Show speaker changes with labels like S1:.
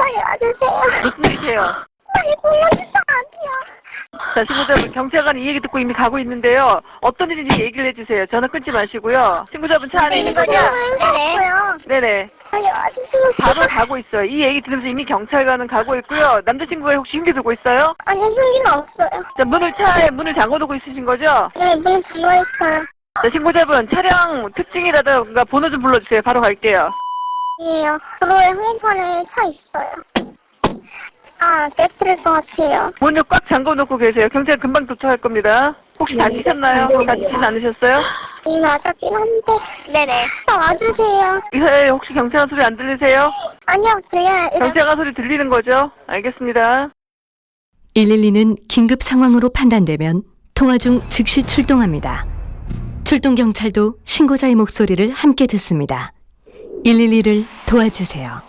S1: 빨리 와주세요.
S2: 무슨 일이세요?
S1: 빨리 불러주세요. 아니야.
S2: 자, 친구자분, 경찰관이 이 얘기 듣고 이미 가고 있는데요. 어떤 일인지 얘기를 해주세요. 전화 끊지 마시고요. 친구자분 차 안에 있는 거죠?
S1: 네네.
S2: 네네.
S1: 빨리 와주세요.
S2: 바로 가고 있어요. 이 얘기 들으면서 이미 경찰관은 가고 있고요. 남자친구가 혹시 흉기 들고 있어요?
S1: 아니, 흉기는 없어요.
S2: 자, 차에 문을 잠궈두고 있으신 거죠?
S1: 네, 문 잠궈있어요.
S2: 자, 신고자분, 차량 특징이라든가 번호 좀 불러주세요. 바로 갈게요.
S1: 이에요. 도로에 한편에 차 있어요. 아, 깨뜨릴 것 같아요.
S2: 문을 꽉 잠궈놓고 계세요. 경찰 금방 도착할 겁니다. 혹시 다치셨나요? 다치진 않으셨어요?
S1: 이 맞았긴 한데. 네네. 와주세요.
S2: 이 사이에 혹시 경찰관 소리 안 들리세요?
S1: 아니요, 들려요.
S2: 경찰관 소리 들리는 거죠? 알겠습니다.
S3: 112는 긴급 상황으로 판단되면 통화 중 즉시 출동합니다. 출동 경찰도 신고자의 목소리를 함께 듣습니다. 112를 도와주세요.